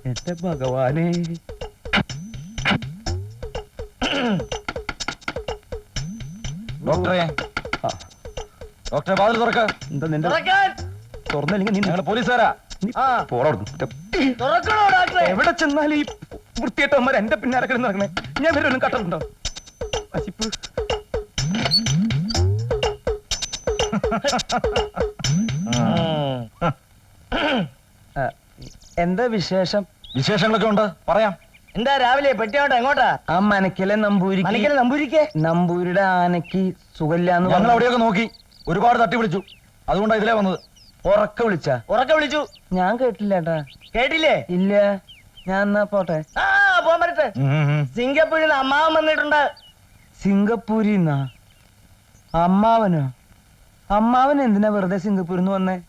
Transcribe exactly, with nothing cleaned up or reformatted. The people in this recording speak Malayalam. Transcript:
എന്റെ ഭഗവാനെ. ഡോക്ടറെ ഡോക്ടറെ വാതിൽ തുറക്ക. എന്താ നിന്റെ തുറന്നില്ലെങ്കിൽ നീ ഞങ്ങള് പോലീസുകാരാ. എവിടെ ചെന്നാലും ഈ വൃത്തിയായിട്ടവന്മാർ എന്റെ പിന്നാലെ കിടന്ന് നടക്കണേ. ഞാൻ വരെ ഒന്നും കട്ടറുണ്ടോ? അശിപ്പ് എന്താ വിശേഷം? വിശേഷങ്ങളൊക്കെ ഉണ്ട്, പറയാം. എന്താ രാവിലെ പെട്ടിയോട്ടെ എങ്ങോട്ടാ? ആ മനക്കലെ നമ്പൂരി മനക്കലെ നമ്പൂരിക്ക് നമ്പൂരിയുടെ ആനക്ക് സുഖമില്ലാന്ന് ഞങ്ങൾ അവിടെയൊക്കെ നോക്കി, ഒരുപാട് തട്ടി വിളിച്ചു. അതുകൊണ്ടാ ഇതിലേ വന്നത്. ഉറക്ക വിളിച്ച ഉറക്കെ വിളിച്ചു. ഞാൻ കേട്ടില്ലേട്ടാ. കേട്ടില്ലേ? ഇല്ല. ഞാൻ എന്നാ പോട്ടെ. ആ പോകാൻ പറ്റട്ടെ. സിംഗപ്പൂരിൽ നിന്ന് അമ്മാവൻ വന്നിട്ടുണ്ട്. സിംഗപ്പൂരിന്നാ? അമ്മാവനോ? അമ്മാവൻ എന്തിനാ വെറുതെ സിംഗപ്പൂരിൽ നിന്ന് വന്നേ?